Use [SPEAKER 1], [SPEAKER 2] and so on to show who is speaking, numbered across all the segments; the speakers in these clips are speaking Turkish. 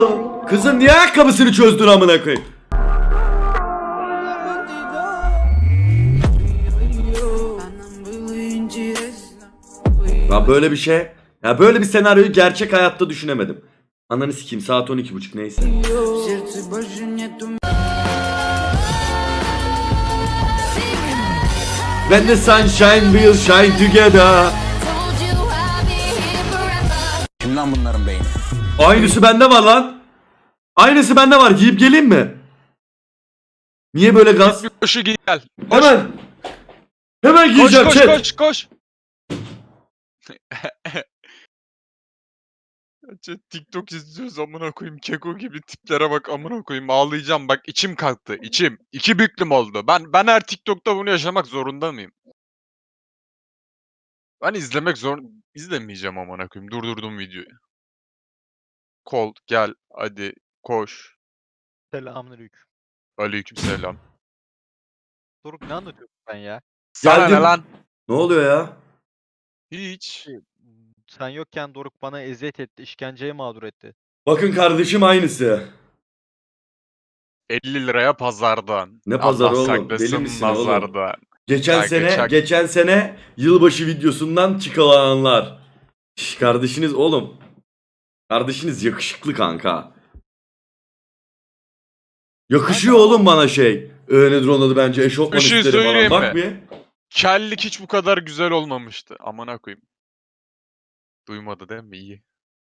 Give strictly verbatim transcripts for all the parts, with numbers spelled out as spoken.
[SPEAKER 1] Kızın niye ayakkabısını çözdün amına koyayım? Ya böyle bir şey, ya böyle bir senaryoyu gerçek hayatta düşünemedim. Ananı sikeyim, saat on iki buçuk neyse. When the sunshine will shine together.
[SPEAKER 2] Kim lan bunların beyni?
[SPEAKER 1] Aynısı bende var lan. Aynısı bende var. Giyip geleyim mi? Niye böyle gaz?
[SPEAKER 3] Koşu giy gel.
[SPEAKER 1] Hemen. Hemen
[SPEAKER 3] Koş
[SPEAKER 1] giyeceğim
[SPEAKER 3] koş
[SPEAKER 1] chat.
[SPEAKER 3] koş koş. Chat, TikTok izliyoruz amına koyayım. Keko gibi tiplere bak amına koyayım. Ağlayacağım bak, içim kalktı. İçim. İki büklüm oldu. Ben ben her TikTok'ta bunu yaşamak zorunda mıyım? Ben izlemek zor izlemeyeceğim amına koyayım. Durdurdum videoyu. Kol gel hadi koş.
[SPEAKER 4] Selamünaleyküm.
[SPEAKER 3] Aleykümselam.
[SPEAKER 4] Doruk ne anlatıyorsun sen ya?
[SPEAKER 3] Sana ne
[SPEAKER 1] Geldim.
[SPEAKER 3] lan?
[SPEAKER 1] Ne oluyor ya?
[SPEAKER 3] Hiç.
[SPEAKER 4] Sen yokken Doruk bana eziyet etti, işkenceye mağdur etti.
[SPEAKER 1] Bakın kardeşim aynısı.
[SPEAKER 3] elli liraya pazardan.
[SPEAKER 1] Ne pazarı
[SPEAKER 3] Allah
[SPEAKER 1] oğlum?
[SPEAKER 3] saklasın
[SPEAKER 1] Deli misin oğlum?
[SPEAKER 3] nazardan.
[SPEAKER 1] Geçen
[SPEAKER 3] Kanka,
[SPEAKER 1] sene,
[SPEAKER 3] çak.
[SPEAKER 1] geçen sene yılbaşı videosundan çıkarılanlar. Şş, kardeşiniz oğlum. Kardeşiniz yakışıklı kanka. Yakışıyor oğlum bana şey. Ee, nedir onun adı bence eşofman
[SPEAKER 3] Bir şey
[SPEAKER 1] üstleri falan.
[SPEAKER 3] söyleyeyim
[SPEAKER 1] Bak
[SPEAKER 3] mi?
[SPEAKER 1] bir.
[SPEAKER 3] Kellik hiç bu kadar güzel olmamıştı. Amına koyayım. Duymadı değil mi? İyi.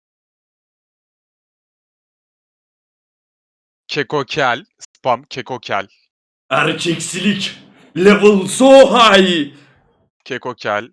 [SPEAKER 3] Keko kel. Spam keko kel.
[SPEAKER 1] Erkeksilik. Level so high.
[SPEAKER 3] Keko kel.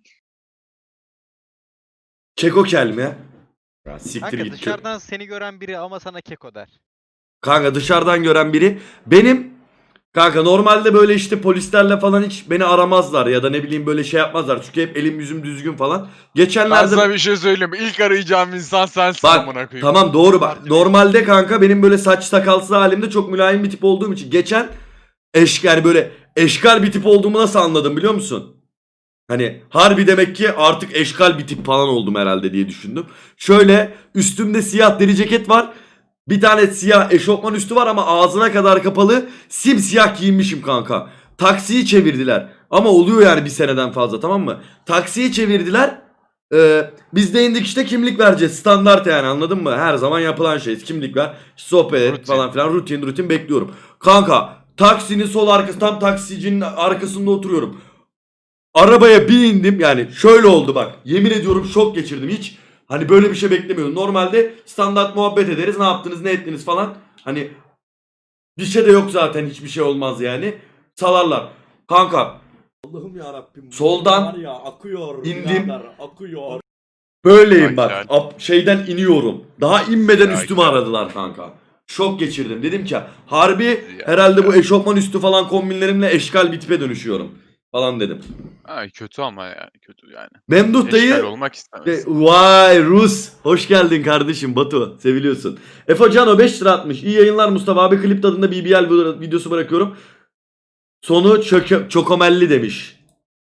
[SPEAKER 1] Keko kel mi? Ya siktir
[SPEAKER 4] Kanka
[SPEAKER 1] git.
[SPEAKER 4] dışarıdan seni gören biri ama sana keko der.
[SPEAKER 1] Kanka dışarıdan gören biri. Benim kanka normalde böyle işte polislerle falan hiç beni aramazlar ya da ne bileyim böyle şey yapmazlar. Çünkü hep elim yüzüm düzgün falan.
[SPEAKER 3] Ben
[SPEAKER 1] Geçenlerde
[SPEAKER 3] sana bir şey söyleyeyim mi? İlk arayacağım insan sensin
[SPEAKER 1] bak
[SPEAKER 3] amına koyayım.
[SPEAKER 1] tamam doğru bak.
[SPEAKER 4] Parti
[SPEAKER 1] Normalde kanka benim böyle saç sakalsız halimde çok mülayim bir tip olduğum için geçen eşkal böyle eşkal bir tip olduğumu nasıl anladım biliyor musun? Hani harbi demek ki artık eşkal bir tip falan oldum herhalde diye düşündüm. Şöyle üstümde siyah deri ceket var. Bir tane siyah eşofman üstü var ama ağzına kadar kapalı. Simsiyah giyinmişim kanka. Taksiyi çevirdiler. Ama oluyor yani bir seneden fazla, tamam mı? Taksiyi çevirdiler. Ee, biz de indik işte kimlik vereceğiz. Standart yani, anladın mı? Her zaman yapılan şey. Kimlik ver, sohbet et
[SPEAKER 3] Rutin.
[SPEAKER 1] falan filan. Rutin rutin bekliyorum. Kanka taksinin sol arkası, tam taksicinin arkasında oturuyorum. Arabaya bir indim, yani şöyle oldu bak. Yemin ediyorum şok geçirdim hiç. Hani böyle bir şey beklemiyordum. Normalde standart muhabbet ederiz. Ne yaptınız, ne ettiniz falan. Hani bir şey de yok zaten, hiçbir şey olmaz yani. Salarlar. Kanka
[SPEAKER 5] Allah'ım ya Rabbim.
[SPEAKER 1] Soldan
[SPEAKER 5] var ya akıyor.
[SPEAKER 1] indim.
[SPEAKER 5] birader, akıyor.
[SPEAKER 1] böyleyim bak.
[SPEAKER 3] Ay,
[SPEAKER 1] Ap- şeyden iniyorum. Daha inmeden
[SPEAKER 3] Ay,
[SPEAKER 1] üstümü
[SPEAKER 3] ay.
[SPEAKER 1] aradılar kanka. Şok geçirdim. Dedim ki harbi
[SPEAKER 3] Ya,
[SPEAKER 1] herhalde bu eşofman üstü falan kombinlerimle eşkal bir tipe dönüşüyorum falan dedim.
[SPEAKER 3] Ay kötü ama yani kötü yani.
[SPEAKER 1] Memduh dayı.
[SPEAKER 3] Eşkal olmak istemez.
[SPEAKER 1] E, Vay Rus. Hoş geldin kardeşim Batu. Seviliyorsun. Efe Cano beş lira atmış. İyi yayınlar Mustafa abi. Klip tadında B B L videosu bırakıyorum. Sonu çöke, çokomelli demiş.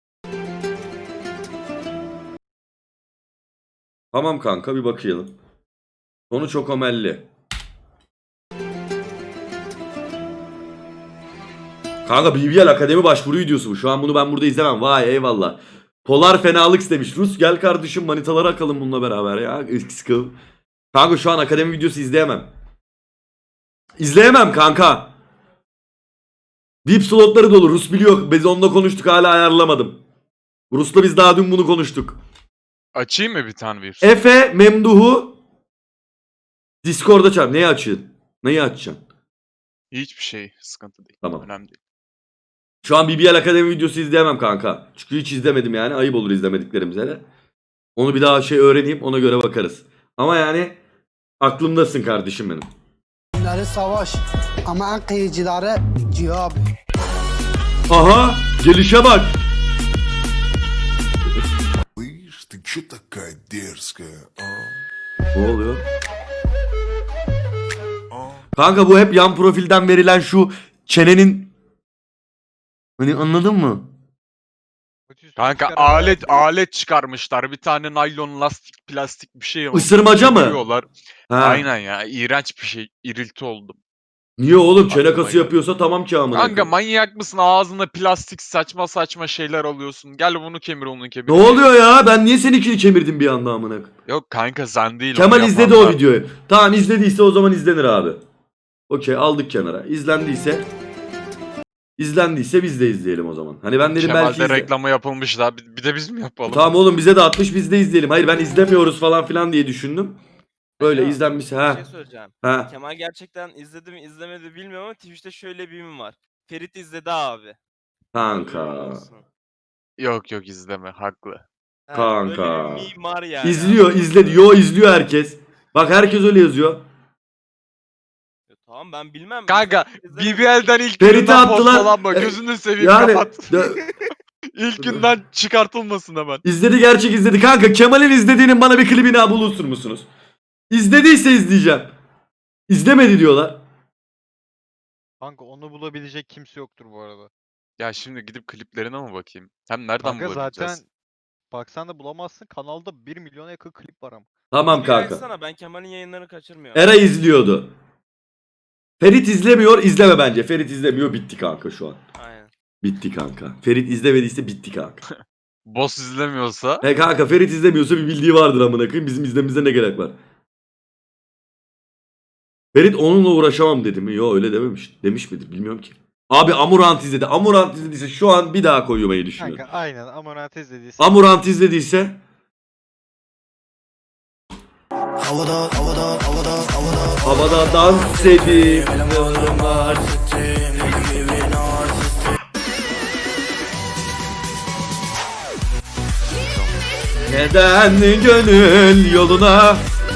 [SPEAKER 1] Tamam kanka, bir bakayım. Sonu çokomelli. Kanka B B L Akademi başvuru videosu bu. Şu an bunu ben burada izlemem. Vay eyvallah. Polar fenalık demiş. Rus gel kardeşim manitaları akalım bununla beraber ya. Sıkıl. Kanka şu an akademi videosu izleyemem. İzleyemem kanka. V I P slotları dolu. Rus biliyor. Biz onunla konuştuk, hala ayarlamadım. Rus'la biz daha dün bunu konuştuk.
[SPEAKER 3] Açayım mı bir tane bir?
[SPEAKER 1] Efe Memduh'u Discord'da çağır. Neyi açıyorsun? Neyi açacaksın?
[SPEAKER 3] Hiçbir şey sıkıntı değil.
[SPEAKER 1] Tamam.
[SPEAKER 3] Önemli değil.
[SPEAKER 1] Şu an B B L Akademi videosu izleyemem kanka. Çünkü hiç izlemedim yani. Ayıp olur izlemediklerimize de. Onu bir daha şey öğreneyim, ona göre bakarız. Ama yani aklımdasın kardeşim benim.
[SPEAKER 6] Günleri savaş ama en kıyıcıları cihab.
[SPEAKER 1] Aha, gelişe bak.
[SPEAKER 7] Слышь, ты чё такая дерзкая, а?
[SPEAKER 1] Ne oluyor? Kanka bu hep yan profilden verilen şu çenenin, hani anladın mı?
[SPEAKER 4] Kötü üstü
[SPEAKER 3] Kanka
[SPEAKER 4] çıkar araya
[SPEAKER 3] alet
[SPEAKER 4] koyuyor.
[SPEAKER 3] alet çıkarmışlar. Bir tane naylon lastik plastik bir şey.
[SPEAKER 1] Isırmaca mı?
[SPEAKER 3] Vuruyorlar.
[SPEAKER 1] Ha.
[SPEAKER 3] Aynen ya. İğrenç bir şey. İrilti oldum.
[SPEAKER 1] Niye oğlum
[SPEAKER 3] Aklıma
[SPEAKER 1] çene kası
[SPEAKER 3] geldi.
[SPEAKER 1] yapıyorsa tamam ki amına
[SPEAKER 3] Kanka
[SPEAKER 1] koyayım.
[SPEAKER 3] manyak mısın? Ağzına plastik saçma saçma şeyler alıyorsun. Gel bunu kemir onu kemir.
[SPEAKER 1] Ne oluyor ya? Ben niye seninkini kemirdim bir anda amına koyayım?
[SPEAKER 3] Yok kanka sen değil.
[SPEAKER 1] Kemal
[SPEAKER 3] onu
[SPEAKER 1] izledi o
[SPEAKER 3] yapanlar.
[SPEAKER 1] videoyu. Tamam izlediyse o zaman izlenir abi. Okey aldık kenara. İzlendiyse izlendiyse biz de izleyelim o zaman. Hani ben dedim belki
[SPEAKER 3] Kemal'de
[SPEAKER 1] izle...
[SPEAKER 3] reklamı yapılmış daha. Bir bir de biz mi yapalım?
[SPEAKER 1] Tamam oğlum bize de atmış biz de izleyelim. Hayır ben izlemiyoruz falan filan diye düşündüm. Böyle
[SPEAKER 8] Alo,
[SPEAKER 1] izlenmiş
[SPEAKER 8] Bir
[SPEAKER 1] ha.
[SPEAKER 8] şey söyleyeceğim.
[SPEAKER 1] Ha.
[SPEAKER 8] Kemal gerçekten izledi mi izlemedi bilmiyorum ama Twitch'te şöyle bir meme var. Ferit izledi abi.
[SPEAKER 1] Kanka.
[SPEAKER 8] Olsun.
[SPEAKER 3] Yok yok izleme haklı.
[SPEAKER 8] Ha,
[SPEAKER 1] Kanka.
[SPEAKER 8] Böyle bir meme var yani.
[SPEAKER 1] İzliyor
[SPEAKER 8] anladın
[SPEAKER 1] izledi.
[SPEAKER 8] mı?
[SPEAKER 1] Yo izliyor herkes. Bak herkes öyle yazıyor.
[SPEAKER 8] Ya tamam ben bilmem.
[SPEAKER 3] Kanka
[SPEAKER 8] Ferit izlemedi.
[SPEAKER 3] B B L'den ilk
[SPEAKER 1] Ferit'i
[SPEAKER 3] günden
[SPEAKER 1] attılar.
[SPEAKER 3] postalanma.
[SPEAKER 1] E,
[SPEAKER 3] Gözünü seveyim
[SPEAKER 1] Yani
[SPEAKER 3] kapat.
[SPEAKER 1] de-
[SPEAKER 3] İlk günden çıkartılmasın hemen.
[SPEAKER 1] izledi gerçek izledi. Kanka Kemal'in izlediğinin bana bir klibini bulursun musunuz? İzlediyse izleyeceğim. İzlemedi diyorlar.
[SPEAKER 4] Kanka onu bulabilecek kimse yoktur bu arada.
[SPEAKER 3] Ya şimdi gidip kliplerine mi bakayım? Hem nereden
[SPEAKER 4] Kanka
[SPEAKER 3] bulabileceğiz?
[SPEAKER 4] zaten baksan da bulamazsın. Kanalda bir milyona yakın klip var ama.
[SPEAKER 1] Tamam
[SPEAKER 8] Bir
[SPEAKER 1] kanka.
[SPEAKER 8] açsana, ben Kemal'in yayınlarını kaçırmıyorum.
[SPEAKER 1] Eray izliyordu. Ferit izlemiyor, izleme bence. Ferit izlemiyor, bitti kanka şu an.
[SPEAKER 8] Aynen.
[SPEAKER 1] Bitti kanka. Ferit izlemediyse bitti kanka.
[SPEAKER 3] Boss izlemiyorsa
[SPEAKER 1] He kanka Ferit izlemiyorsa bir bildiği vardır amına koyayım. Bizim izlememize ne gerek var? Ferit onunla uğraşamam dedi mi? Yo öyle dememiş. Demiş midir bilmiyorum ki. Abi Amurant izledi. Amurant izlediyse şu an bir daha koymayı düşünüyorum.
[SPEAKER 4] Kanka aynen Amonat izlediyse.
[SPEAKER 1] Amurant izlediyse
[SPEAKER 7] Havada, havada, havada, havada.
[SPEAKER 1] havada dans edip neden gönül yoluna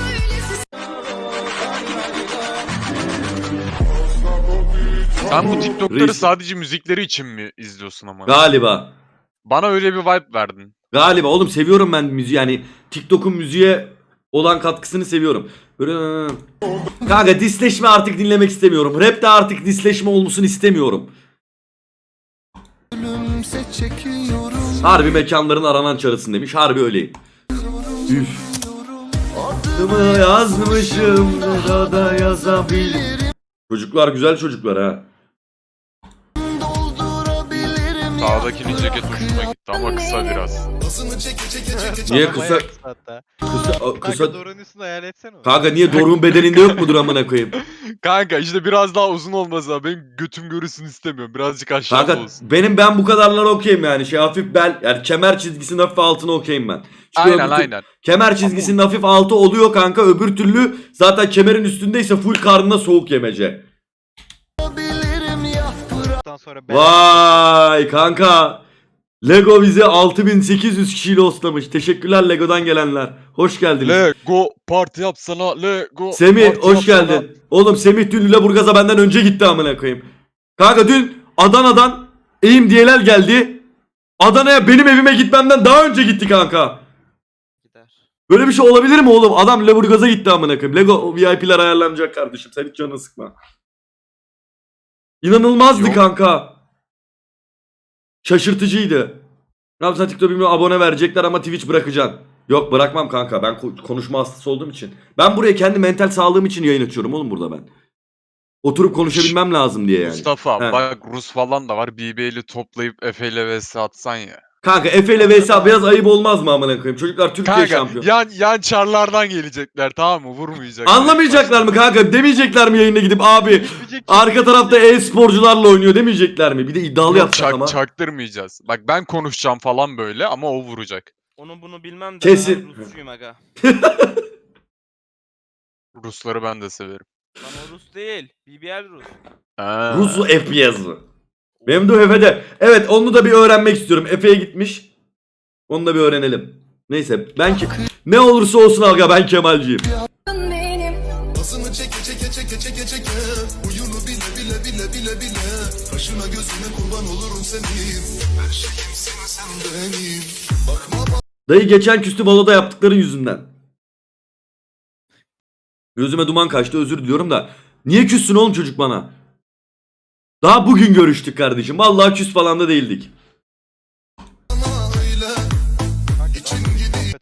[SPEAKER 3] sen bu TikTok'ları
[SPEAKER 1] Reis.
[SPEAKER 3] sadece müzikleri için mi izliyorsun ama?
[SPEAKER 1] galiba.
[SPEAKER 3] Bana öyle bir vibe verdin.
[SPEAKER 1] Galiba oğlum seviyorum ben müziği yani TikTok'un müziğe olan katkısını seviyorum. Böyle... Kanka disleşme artık dinlemek istemiyorum. Rap de artık disleşme olmasını istemiyorum. Harbi mekanların aranan çarısın demiş. Harbi öyleyim. Üf. Adımı yazmışım ne da yazabilirim. Çocuklar güzel çocuklar ha.
[SPEAKER 3] Sağdakinin ceket hoşuma gitti ama kısa biraz.
[SPEAKER 1] Niye
[SPEAKER 4] Bayağı
[SPEAKER 1] kısa
[SPEAKER 4] hatta.
[SPEAKER 1] kısa
[SPEAKER 4] Kanka
[SPEAKER 1] kısa
[SPEAKER 4] Doruk'un üstünde hayal etsene onu.
[SPEAKER 1] Kanka niye Doruk'un bedeninde yok mudur amına koyayım?
[SPEAKER 3] Kanka işte biraz daha uzun olmaz ha. Benim götüm görürsün istemiyorum. Birazcık aşağıda
[SPEAKER 1] Kanka
[SPEAKER 3] olsun.
[SPEAKER 1] benim ben bu kadarlar okeyim yani şey hafif bel yani kemer çizgisinin hafif altına okeyim ben. Çünkü
[SPEAKER 3] Aynen
[SPEAKER 1] öbür tür-
[SPEAKER 3] aynen.
[SPEAKER 1] Kemer çizgisinin hafif altı oluyor kanka öbür türlü zaten kemerin üstündeyse full karnına soğuk yemece.
[SPEAKER 4] Ondan sonra ben
[SPEAKER 1] Vay kanka. Lego bizi altı bin sekiz yüz kişiyle hostlamış. Teşekkürler Lego'dan gelenler. Hoş geldiniz.
[SPEAKER 3] Lego parti yapsana. Lego
[SPEAKER 1] Semih
[SPEAKER 3] parti
[SPEAKER 1] hoş
[SPEAKER 3] yapsana.
[SPEAKER 1] geldin. Oğlum Semih dün Lüleburgaz'a benden önce gitti amına koyayım. Kanka dün Adana'dan Eğim Diyelel geldi. Adana'ya benim evime gitmemden daha önce gitti kanka.
[SPEAKER 8] Gider.
[SPEAKER 1] Böyle bir şey olabilir mi oğlum? Adam Lüleburgaz'a gitti amına koyayım. Lego V I P'ler ayarlanacak kardeşim. Sen hiç canını sıkma. İnanılmazdı
[SPEAKER 3] Yok.
[SPEAKER 1] kanka. Şaşırtıcıydı. Ne yapsan TikTok bilmiyorum abone verecekler ama Twitch bırakacaksın. Yok bırakmam kanka. Ben ko- konuşma hastası olduğum için. Ben buraya kendi mental sağlığım için yayın açıyorum oğlum burada ben. Oturup konuşabilmem lazım diye yani.
[SPEAKER 3] Mustafa
[SPEAKER 1] He.
[SPEAKER 3] bak Rus falan da var. B B'li toplayıp Efe ile vs atsan ya.
[SPEAKER 1] Kanka Efe ile V S biraz ayıp olmaz mı amına koyayım? Çocuklar Türkiye
[SPEAKER 3] Kanka
[SPEAKER 1] şampiyon.
[SPEAKER 3] yan, yan çarlardan gelecekler tamam mı? Vurmayacaklar.
[SPEAKER 1] Anlamayacaklar mı kanka? Demeyecekler mi yayına gidip abi
[SPEAKER 4] Hiçbir
[SPEAKER 1] arka tarafta e-sporcularla oynuyor demeyecekler mi? Bir de iddialı
[SPEAKER 3] Yok,
[SPEAKER 1] yapacak
[SPEAKER 3] çak-
[SPEAKER 1] ama.
[SPEAKER 3] çaktırmayacağız. Bak ben konuşacağım falan böyle ama o vuracak.
[SPEAKER 8] Onu bunu bilmem de
[SPEAKER 1] Kesin.
[SPEAKER 8] ben Rusçuyum aga.
[SPEAKER 3] Rusları ben de severim.
[SPEAKER 8] Lan o Rus değil. B B L Rus.
[SPEAKER 3] Ha.
[SPEAKER 1] Rus F P S mı? Benim de Efe'de. Evet onu da bir öğrenmek istiyorum. Efe'ye gitmiş. Onu da bir öğrenelim. Neyse ben ki ne olursa olsun aga ben Kemalciyim.
[SPEAKER 7] Nasını çeke çeke çeke çeke çeke. Uyunu bile bile bile bile bile. Kaşına gözüne kurban olurum senin. Her şeyim sen sen benim. Bakma
[SPEAKER 1] Dayı geçen küstü baloda yaptıkların yüzünden. Gözüme duman kaçtı özür diliyorum da. Niye küssün oğlum çocuk bana? Daha bugün görüştük kardeşim. Vallahi küs falan da değildik.
[SPEAKER 7] bana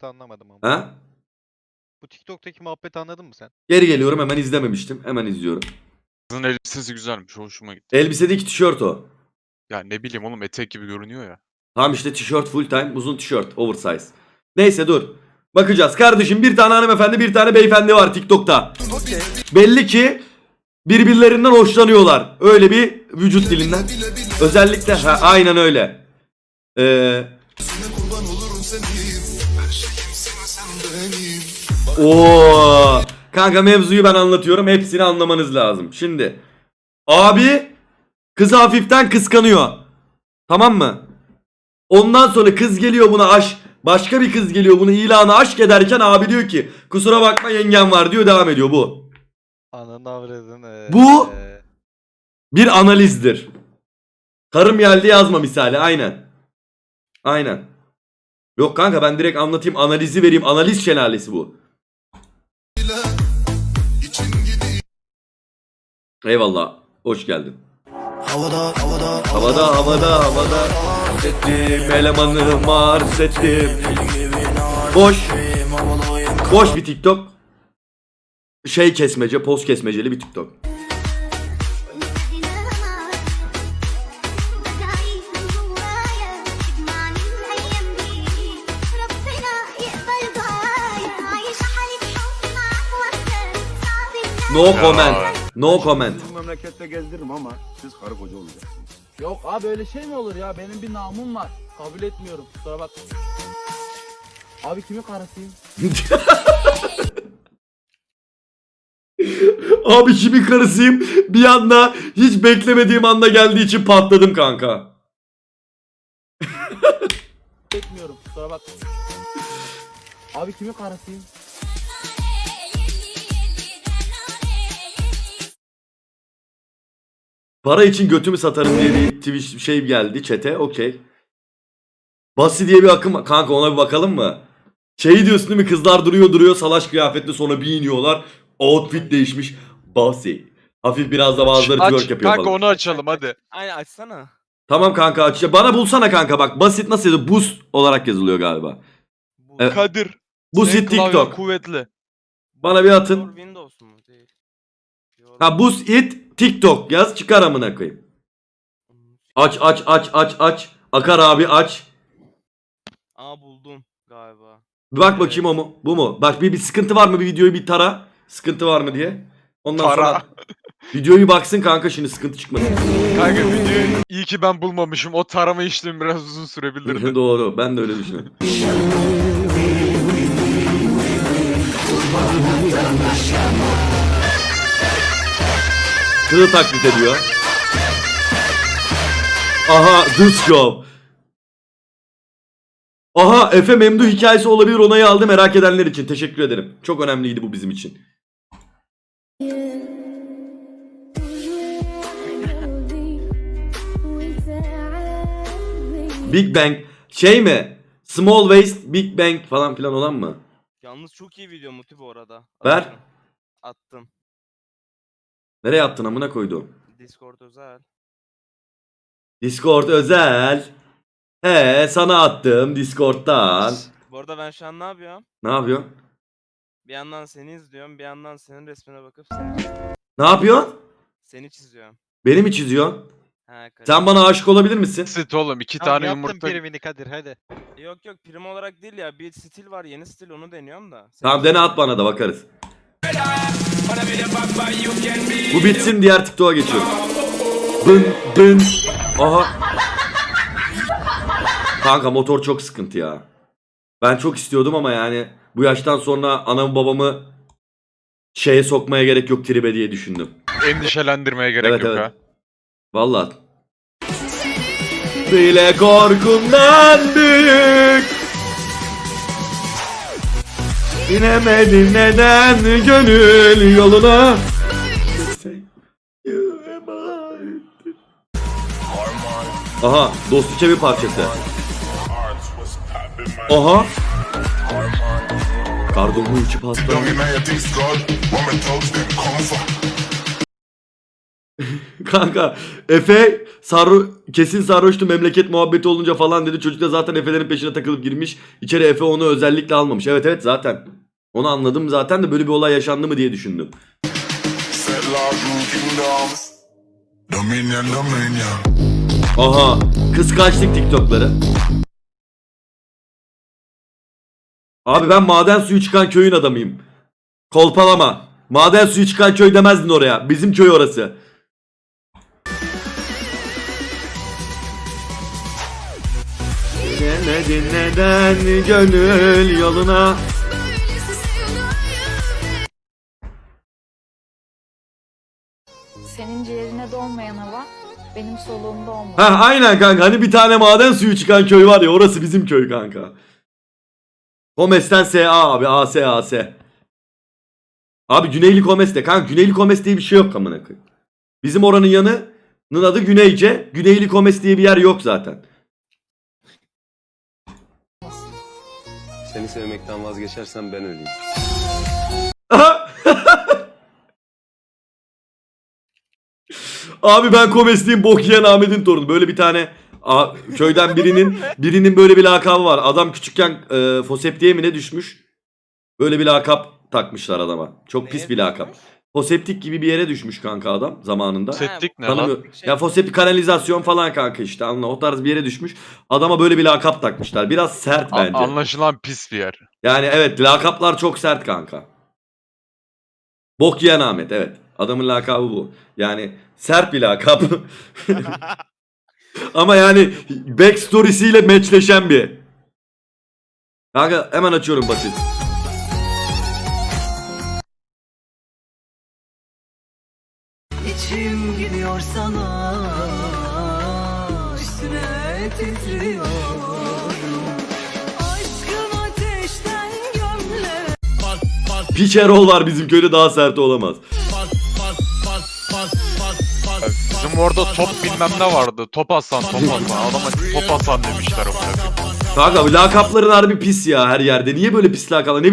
[SPEAKER 4] muhabbeti anlamadım ama.
[SPEAKER 1] Ha?
[SPEAKER 4] Bu TikTok'taki muhabbeti anladın mı sen?
[SPEAKER 1] Geri geliyorum, hemen izlememiştim. Hemen izliyorum.
[SPEAKER 3] Kızın elbisesi güzelmiş. Hoşuma gitti.
[SPEAKER 1] Elbisedeki tişört o.
[SPEAKER 3] Ya ne bileyim oğlum etek gibi görünüyor ya.
[SPEAKER 1] Tamam işte tişört full time, uzun tişört, oversize. Neyse dur. Bakacağız. Kardeşim bir tane hanımefendi, bir tane beyefendi var TikTok'ta. Belli ki birbirlerinden hoşlanıyorlar. Öyle bir vücut dilinden. Özellikle ha, aynen öyle. Ee,
[SPEAKER 7] kurban olurum senin. Her şeyim sen, sen benim.
[SPEAKER 1] Oo. Kanka mevzuyu ben anlatıyorum. Hepsini anlamanız lazım. Şimdi abi kızı hafiften kıskanıyor. Tamam mı? Ondan sonra kız geliyor buna aşk. Başka bir kız geliyor bunu ilanı aşk ederken abi diyor ki kusura bakma yengem var diyor, devam ediyor bu.
[SPEAKER 4] Ananı avradın.
[SPEAKER 1] Bu- Bir analizdir. Karım geldi yazma misali, aynen. Aynen. Yok kanka ben direkt anlatayım, analizi vereyim. Analiz şelalesi bu.
[SPEAKER 7] İçim gidiyor.
[SPEAKER 1] Eyvallah. Hoş geldin.
[SPEAKER 7] Havada, havada,
[SPEAKER 1] Havada havada havada ettim elemanı mars ettim. Boş. Boş bir TikTok. Şey kesmece, poz kesmeceli bir TikTok. No comment. No comment.
[SPEAKER 2] Bu memlekette gezdiririm ama siz karı koca olacaksınız.
[SPEAKER 5] Yok abi öyle şey mi olur ya? Benim bir namım var. Kabul etmiyorum. Kusura bak. Abi kimin karısıyım?
[SPEAKER 1] Abi kimin karısıyım? Bir anda hiç beklemediğim anda geldiği için patladım kanka.
[SPEAKER 5] Etmiyorum. Kusura bak. Abi kimin karısıyım?
[SPEAKER 1] Para için götümü satarım diye bir Twitch şey geldi chat'e. Okey. Basi diye bir akım. Kanka ona bir bakalım mı? Şey diyorsun değil mi? Kızlar duruyor duruyor salaş kıyafetle sonra bir iniyorlar. Outfit değişmiş. Basi. Hafif biraz da bazıları twerk
[SPEAKER 3] Aç
[SPEAKER 1] yapıyor
[SPEAKER 3] kanka
[SPEAKER 1] falan.
[SPEAKER 3] onu açalım hadi.
[SPEAKER 8] Aynen açsana.
[SPEAKER 1] Tamam kanka aç. Bana bulsana kanka bak. Basit nasıl yazıyor? Boost olarak yazılıyor galiba.
[SPEAKER 8] Bu
[SPEAKER 1] Evet.
[SPEAKER 3] Kadir.
[SPEAKER 1] Boost
[SPEAKER 3] senin klavyen
[SPEAKER 1] TikTok.
[SPEAKER 3] kuvvetli.
[SPEAKER 1] Bana bir atın.
[SPEAKER 8] Yor Windows mu? Değil. Yor-
[SPEAKER 1] Ha Boost it TikTok yaz çıkar amına koyayım. Aç aç aç aç aç. Akar abi aç.
[SPEAKER 8] Aa buldum galiba.
[SPEAKER 1] Bir bak bakayım o mu? Bu mu? Bak bir, bir sıkıntı var mı? Bir videoyu bir tara. Sıkıntı var mı diye. Ondan
[SPEAKER 3] Tara.
[SPEAKER 1] sonra videoyu baksın kanka şimdi sıkıntı çıkmasın.
[SPEAKER 3] Kanka videoyu iyi ki ben bulmamışım. O tarama işlemi biraz uzun sürebilirdi.
[SPEAKER 1] Doğru. Ben de öyle düşünüyorum. Kızı taklit ediyor. Aha this job. Aha Efe Memdu hikayesi olabilir, onayı aldı merak edenler için. Teşekkür ederim. Çok önemliydi bu bizim için. Big Bang şey mi? Small Waist Big Bang falan filan olan mı?
[SPEAKER 8] Yalnız çok iyi video Muti bu arada.
[SPEAKER 1] Ver.
[SPEAKER 8] Attım. Attım.
[SPEAKER 1] Nereye attın amına koydu?
[SPEAKER 8] Discord özel.
[SPEAKER 1] Discord özel. He sana attım Discord'dan.
[SPEAKER 8] Bu arada ben şu an ne yapıyorum?
[SPEAKER 1] Ne yapıyorsun?
[SPEAKER 8] Bir yandan seni izliyorum, bir yandan senin resmine bakıp seni,
[SPEAKER 1] Ne yapıyorsun?
[SPEAKER 8] seni çiziyorum.
[SPEAKER 1] Beni mi çiziyorsun?
[SPEAKER 8] Ha,
[SPEAKER 1] Sen bana aşık olabilir misin?
[SPEAKER 3] Sit oğlum iki
[SPEAKER 4] Tamam,
[SPEAKER 3] tane
[SPEAKER 4] yaptım
[SPEAKER 3] yumurta.
[SPEAKER 4] primini Kadir hadi.
[SPEAKER 8] Yok yok prim olarak değil ya, bir stil var, yeni stil, onu deniyorum da. Seni
[SPEAKER 1] Tamam dene at bana da bakarız. Bu bitsin diğer TikTok'a geçiyorum. Bın bın. Aha. Kanka motor çok sıkıntı ya. Ben çok istiyordum ama yani bu yaştan sonra anamı babamı şeye sokmaya gerek yok tribe diye düşündüm.
[SPEAKER 3] Endişelendirmeye gerek
[SPEAKER 1] Evet,
[SPEAKER 3] yok
[SPEAKER 1] evet.
[SPEAKER 3] ha.
[SPEAKER 1] Vallahi. Bile korkumdan büyük. İnemedim neden gönül yoluna. Aha Dostu Çevi parçası. Aha. Kardomu içi pasta. Kanka Efe sarro kesin sarhoştu memleket muhabbeti olunca falan dedi. Çocuk da zaten Efe'lerin peşine takılıp girmiş. İçeri Efe onu özellikle almamış. Evet evet zaten. Onu anladım zaten de böyle bir olay yaşandı mı diye düşündüm.
[SPEAKER 7] Dominion, Dominion.
[SPEAKER 1] Aha kıskançlık TikTok'ları. Abi ben maden suyu çıkan köyün adamıyım. Kolpalama. Maden suyu çıkan köy demezdin oraya. Bizim köy orası. Dinlemedin neden gönül yoluna.
[SPEAKER 9] Senin ciğerine dolmayan hava benim soluğumda olmalı.
[SPEAKER 1] Ha aynen kanka hani bir tane maden suyu çıkan köy var ya orası bizim köy kanka. Komes'ten S A abi A S A S. Abi Güneyli Komes'te kanka Güneyli Komes diye bir şey yok amına koyayım. Bizim oranın yanının adı Güneyce. Güneyli Komes diye bir yer yok zaten.
[SPEAKER 2] Seni sevmekten vazgeçersen ben öleyim.
[SPEAKER 1] Abi ben Komes'liyim bok yiyen Ahmet'in torunu. Böyle bir tane a, köyden birinin birinin böyle bir lakabı var. Adam küçükken e, foseptiğe mi ne düşmüş? Böyle bir lakap takmışlar adama. Çok pis bir lakap. Foseptik gibi bir yere düşmüş kanka adam zamanında.
[SPEAKER 3] Septik ne
[SPEAKER 1] Tanımıyor.
[SPEAKER 3] lan?
[SPEAKER 1] Ya foseptik kanalizasyon falan kanka işte anla o tarz bir yere düşmüş. Adama böyle bir lakap takmışlar. Biraz sert
[SPEAKER 3] A-
[SPEAKER 1] bence.
[SPEAKER 3] anlaşılan pis bir yer.
[SPEAKER 1] Yani evet lakaplar çok sert kanka. Bok yiyen Ahmet evet. Adamın lakabı bu. Yani sert bir lakap. Ama yani backstory'siyle matchleşen bir. Kanka hemen açıyorum basit.
[SPEAKER 10] İçim gidiyor sana, üstüne titriyorum. Aşkın ateşten gömle.
[SPEAKER 1] Piç Erol var bizim köyde daha sert olamaz.
[SPEAKER 3] Bizim orada top bilmem ne vardı. Top Hasan, Top Hasan. Adama Top Hasan demişler. O
[SPEAKER 1] Kanka lakapların harbi pis ya her yerde. Niye böyle pis lakaplar? Ne